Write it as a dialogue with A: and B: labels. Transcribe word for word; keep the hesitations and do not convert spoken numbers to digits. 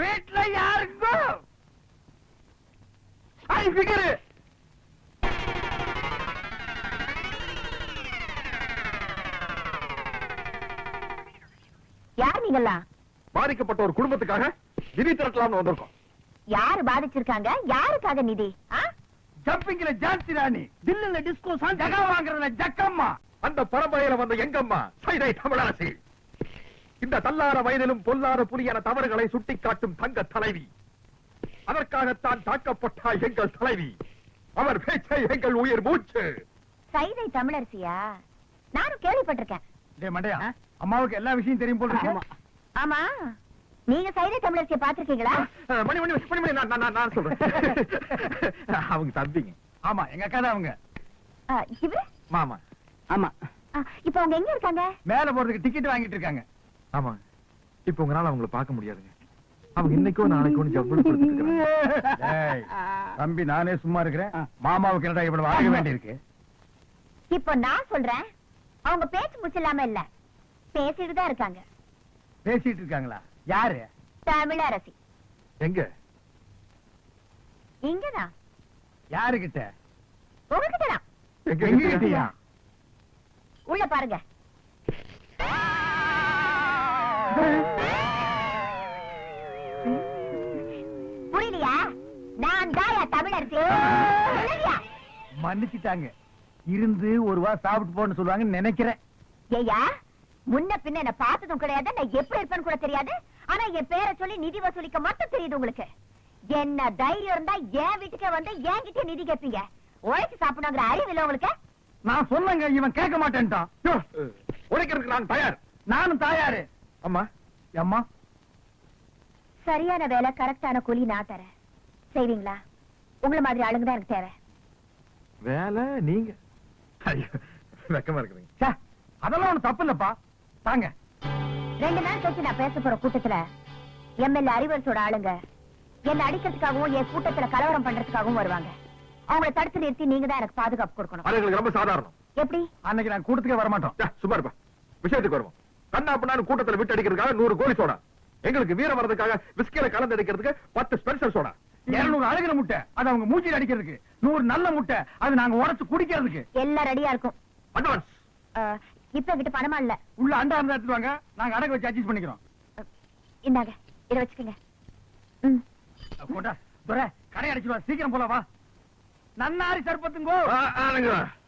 A: வீட்டுல யாருக்கும் ஐ ஃபிகர்.
B: யார் நீங்களா?
C: பாதிக்கப்பட்ட ஒரு குடும்பத்துக்காக நிதி திரட்டலாம்னு வந்திருக்கோம்.
B: யாரு பாதிச்சிருக்காங்க? யாருக்காக நிதி?
A: ஜம்பிங்ல ஜான்சி ராணி, தில்லுல டிஸ்கோ சாங், ஜகா வாங்குறதுல ஜக்கம்மா.
C: அந்த பரம்பரையில வந்த எங்கம்மா சைதை தமிழரசி. இந்த தள்ளார வயதிலும் பொல்லாத புலியான தவறுகளை சுட்டிக்காட்டும் தங்க தலைவி. அதற்காகத்தான் தாக்கப்பட்டால் எங்கள் தலைவி. அவர் பேச்சை எங்கள் உயிர் மூச்சு.
B: சைதை தமிழரசியா? நானும் கேள்விப்பட்டிருக்கேன்.
A: டேய் மண்டையா, அம்மாவுக்கு எல்லா விஷயம் தெரியும் போல இருக்கு.
B: ஆமா, நீங்க சைதை தமிழரசியை பாத்திருக்கீங்களா?
C: மணி மணி மணி மணி நான் நான் நான் சொல்றேன். அவங்க தம்பிங்க.
A: ஆமா, எங்க அக்கா தான் அவங்க.
B: இவரு
C: மாமா.
A: ஆமா.
B: இப்ப அவங்க எங்க இருக்காங்க?
A: மேல போறதுக்கு டிக்கெட் வாங்கிட்டு இருக்காங்க.
C: ஆமா, இப்ப உங்களால அவங்கள பார்க்க முடியாதுங்க. அவங்க இன்னைக்கோ நாளைக்கோ ஜவ்வளவு கொடுத்துருக்காங்க.
A: தம்பி, நானே சும்மா இருக்கிறேன். மாமாவுக்கு என்னடா இவ்வளவு வாங்க வேண்டி இருக்கு?
B: இப்ப நான் சொல்றேன், அவங்க பேச்சு முச்சில்லாம இல்ல, பேசிட்டு தான் இருக்காங்க.
A: பேசிட்டு இருக்காங்களா? யாரு?
B: தமிழரசி.
C: எங்க?
B: இங்கதான்.
A: யாருகிட்ட?
B: உங்ககிட்டதான்.
A: எங்ககிட்டயா?
B: உள்ள பாருங்க. புரியலையா? நான் தாயா தமிழரசி.
A: மன்னிச்சுட்டாங்க. இருந்து ஒரு வா சாப்பிட்டு போன்னு சொல்லுவாங்கன்னு நினைக்கிறேன்.
B: ஏயா, முன்ன பின்ன என்ன பார்த்ததும் கிடையாது, நான் எப்படி இருப்பேன்னு கூட தெரியாது. ஆனா என் பேரை சொல்லி நிதி வசூலிக்க மட்டும் தெரியுது உங்களுக்கு. என்ன தைரியம் இருந்தா என் வீட்டுக்கே வந்து என்கிட்ட நிதி கேட்பீங்க. உழைச்சு சாப்பிடணுங்கிற அறிவு இல்ல உங்களுக்கு?
A: நான் சொன்னங்க, இவன் கேட்க மாட்டேன்ட்டான்.
C: உழைக்கிறதுக்கு நான் தயார்.
A: நானும் தயாரு.
C: அம்மா,
A: அம்மா,
B: சரியான வேலை, கரெக்டான கூலி நான் தரேன். செய்வீங்களா? உங்களை மாதிரி ஆளுங்க தான் எனக்கு தேவை.
C: வேலை நீங்க? வெக்கமா இருக்குதுங்க.
A: அதெல்லாம் ஒண்ணு தப்பு இல்லப்பா. தாங்க.
B: ரெண்டு நாள் கழிச்சு நான் பேச போற கூட்டத்துல எம்எல்ஏ அறிவரசோட ஆளுங்க என்ன அடிக்கிறதுக்காகவும் என் கூட்டத்துல கலவரம் பண்றதுக்காகவும் வருவாங்க. அவங்களை தடுத்து நிறுத்தி நீங்க தான் எனக்கு பாதுகாப்பு கொடுக்கணும்.
C: அது ரொம்ப சாதாரணம்.
B: எப்படி?
A: அன்னைக்கு நான் கூட்டத்துக்கே வர மாட்டோம்.
C: சும்மா இருப்பா. விஷயத்துக்கு வருவோம். கண்ணா பண்ணான்னு கூட்டத்துல விட்டு அடிக்கிறதுக்காக நூறு கோழி சோடா, எங்களுக்கு வீரம் வர்றதுக்காக விஸ்கில கலந்து அடிக்கிறதுக்கு பத்து ஸ்பெஷல் சோடா,
A: இருநூறு அழகிற முட்டை அது அவங்க மூச்சில் அடிக்கிறதுக்கு, நூறு நல்ல முட்டை அது நாங்க உடைச்சு குடிக்கிறதுக்கு.
B: எல்லாம் ரெடியா இருக்கும்.
C: அட்வான்ஸ்.
B: இப்ப கிட்ட பணமா இல்ல.
A: உள்ள அண்டா இருந்தா எடுத்துவாங்க, நாங்க அடகு வச்சு அட்ஜஸ்ட் பண்ணிக்கிறோம்.
B: இந்தாங்க, இத வச்சுக்கங்க.
A: கொண்டா துரை, கடை அடிச்சுவா, சீக்கிரம் போல வா. நன்னாரி சர்பத்துங்கோ.